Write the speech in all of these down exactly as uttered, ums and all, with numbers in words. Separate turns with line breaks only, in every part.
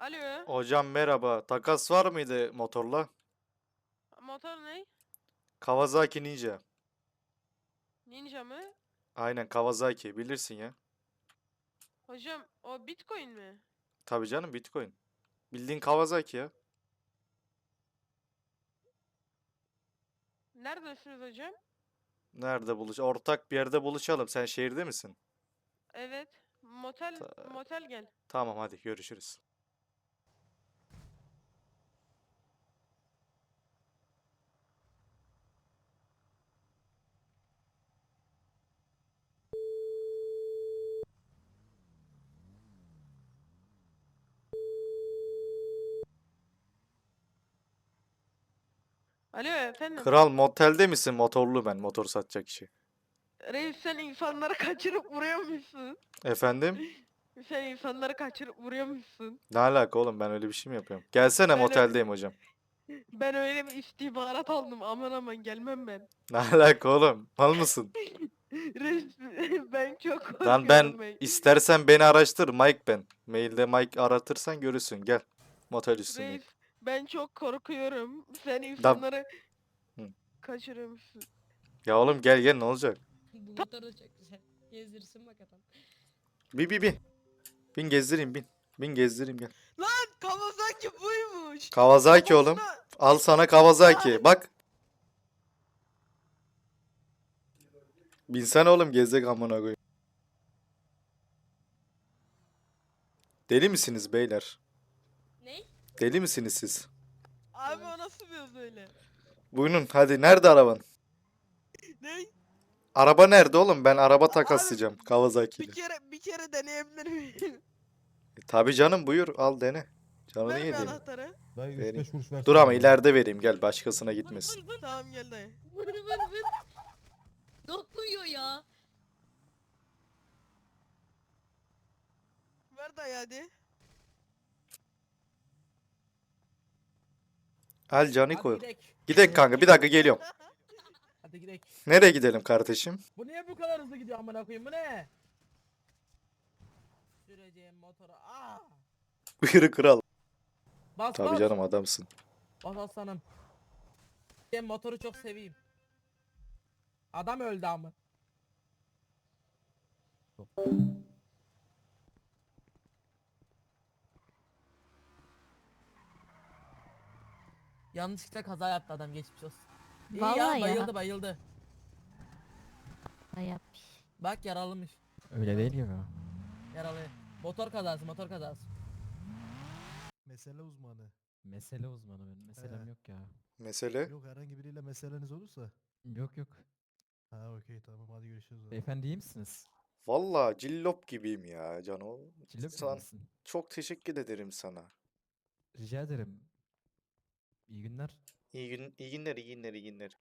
Alo.
Hocam merhaba. Takas var mıydı motorla?
Motor ne?
Kawasaki Ninja.
Ninja mı?
Aynen Kawasaki bilirsin ya.
Hocam o Bitcoin mi?
Tabii canım Bitcoin. Bildiğin Kawasaki ya.
Neredesiniz hocam?
Nerede buluş? Ortak bir yerde buluşalım. Sen şehirde misin?
Evet. Motel
Ta-
motel gel.
tamam hadi görüşürüz.
Alo efendim.
Kral motelde misin? Motorlu ben. Motor satacak kişi.
Reis sen insanları kaçırıp vuruyormuşsun.
Efendim?
Sen insanları kaçırıp vuruyormuşsun.
Ne alaka oğlum ben öyle bir şey mi yapıyorum? Gelsene
Ben ö-
moteldeyim hocam.
ben öyle bir istihbarat aldım. Aman aman gelmem ben.
Ne alaka oğlum? Mal mısın?
Reis ben çok
Lan ben
korkuyorum ben.
istersen beni araştır. Mike ben. Mailde Mike aratırsan görürsün. Gel. Motel üstündeyim.
Reis ben çok korkuyorum. Sen
Da
insanları
Hı.
kaçırıyormuşsun.
Ya oğlum gel gel ne olacak?
Bu motor da çok güzel. Gezdirsin bakalım.
Bin bin bin. Bin gezdireyim bin. Bin gezdireyim gel.
Lan Kawasaki buymuş.
Kawasaki oğlum.
Kafasına-
Al sana Kawasaki. Bak. Binsene oğlum gezecek amına koyayım. Deli misiniz beyler?
Ne?
Deli misiniz siz?
Abi o nasıl bir söz öyle?
Buyurun hadi nerede araban?
Ne?
Araba nerede oğlum? Ben araba
Abi,
takaslayacağım Kawasaki
Bir
ile.
kere bir kere deneyebilir miyim?
E, tabii canım buyur al dene. Canını
Ver bir
yediğim.
anahtarı.
Dayı
Vereyim.
üç beş kuruş versene
Dur ama
bana.
ileride vereyim gel başkasına gitmesin.
Vır vır vır.
Tamam gel dayı.
Vır vır vır. Dokuyor ya.
Ver dayı hadi.
Al canı
Hadi
koy.
gidelim.
Gidek kanka bir dakika geliyorum.
Hadi gidelim.
Nereye gidelim kardeşim?
Bu niye bu kadar hızlı gidiyor amına koyayım bu ne? Süreceğim motoru. Aa!
Buyur kral.
Bas
Tabii
bas.
canım adamsın.
Bas aslanım. Ben motoru çok seveyim. Adam öldü ama. Yanlışlıkla kaza yaptı adam geçmiş olsun. İyi
Vallahi
ya
ya.
bayıldı bayıldı.
Hayat.
Bak yaralıymış.
Öyle değil gibi.
Yaralı. Motor kazası motor kazası.
Mesele uzmanı.
Mesele uzmanı benim. Meselem
He.
yok ya.
Mesele?
Yok herhangi biriyle meseleniz olursa.
Yok yok.
Ha okey tamam hadi görüşürüz. o zaman.
Beyefendi iyi misiniz?
Valla cillop gibiyim ya Cano.
Cillop
San-
misin?
Çok teşekkür ederim sana.
Rica ederim. İyi günler.
İyi gün, iyi günler, iyi günler, iyi günler.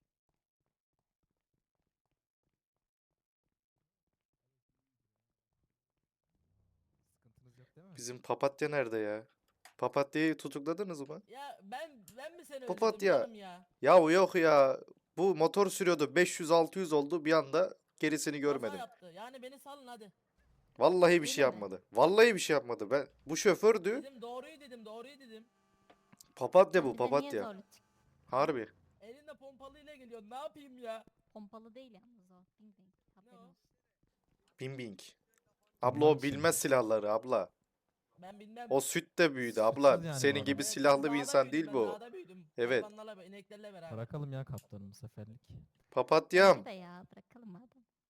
Sıkıntınız yok değil mi?
Bizim papatya nerede ya? Papatyayı tutukladınız mı?
Ya ben ben mi seni
Papatya.
öldürdüm canım ya?
Ya yok ya. Bu motor sürüyordu. beş yüz altı yüz oldu. Bir anda gerisini
Kaza
görmedim.
yaptı. Yani beni salın hadi.
Vallahi bir
Öyle
şey
mi?
yapmadı. Vallahi bir şey yapmadı. Ben bu şofördü.
Dedim doğruyu dedim doğruyu dedim.
Papatya bu
Bir de niye
papatya.
zorlu çık-
Harbi.
Elinde pompalıyla geliyor. Ne yapayım ya?
Pompalı değil yalnız o. Bing bing. Haberin
Ne o?
olsun.
Bing bing. Abla
Anlar
o
mısın?
bilmez silahları abla.
Ben bilmem.
O süt de büyüdü
Suçsuz
abla.
yani bu
Senin
adam.
gibi
Evet,
silahlı
ben
bir
dağda
insan
büyüdüm,
değil
ben
bu.
Dağda büyüdüm.
Evet.
Hayvanlarla, ineklerle beraber.
Bırakalım ya kaptanım bu seferlik.
Papatyam.
Bence de ya bırakalım madem.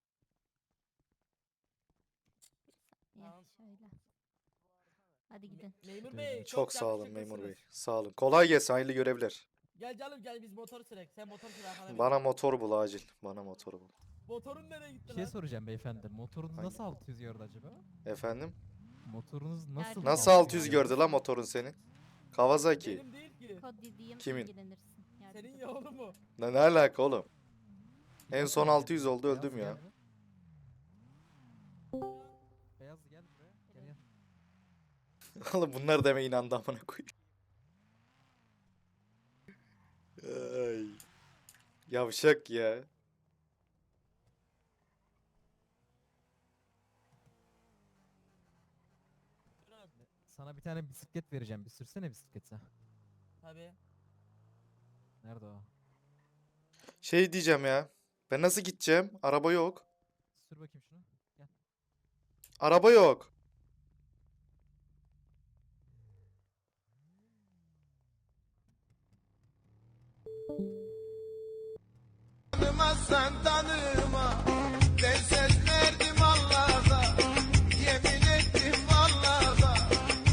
Bir saniye
Tamam.
şöyle. Hadi gidin.
Me- memur
Teşekkür
bey
ederim.
Çok sağ olun memur bey.
yakışıklısınız.
Sağ olun. Kolay gelsin. Hayırlı görevler.
Gel canım gel biz motor sürek. Sen motor sür arkana bin.
Bana motor bul acil. Bana motor bul.
Motorun nereye gitti
Bir şey
lan?
soracağım beyefendi. Motorunuz
Hangi?
nasıl altı yüz gördü acaba?
Efendim?
Motorunuz nasıl
Nerede?
Nasıl altı yüz gördü lan motorun senin? Kawasaki.
Benim değil ki.
Kod dediğim
Kimin?
ilgilenirsin. Yardımcı
Senin
ol.
ya oğlum mu?
Ne, ne alaka oğlum?
Bir
En
bak
son
bakayım.
altı yüz oldu, öldüm
Beyaz
ya.
gel be. Beyaz gel buraya. Gel gel.
Oğlum bunlar deme inandı amına koyayım. Ay. Yavşak ya.
Sana bir tane bisiklet vereceğim. Bir sürsene bisikleti.
Tabii.
Nerede o?
Şey diyeceğim ya. Ben nasıl gideceğim? Araba yok.
Sür bakayım şunu. Gel.
Araba yok.
Santa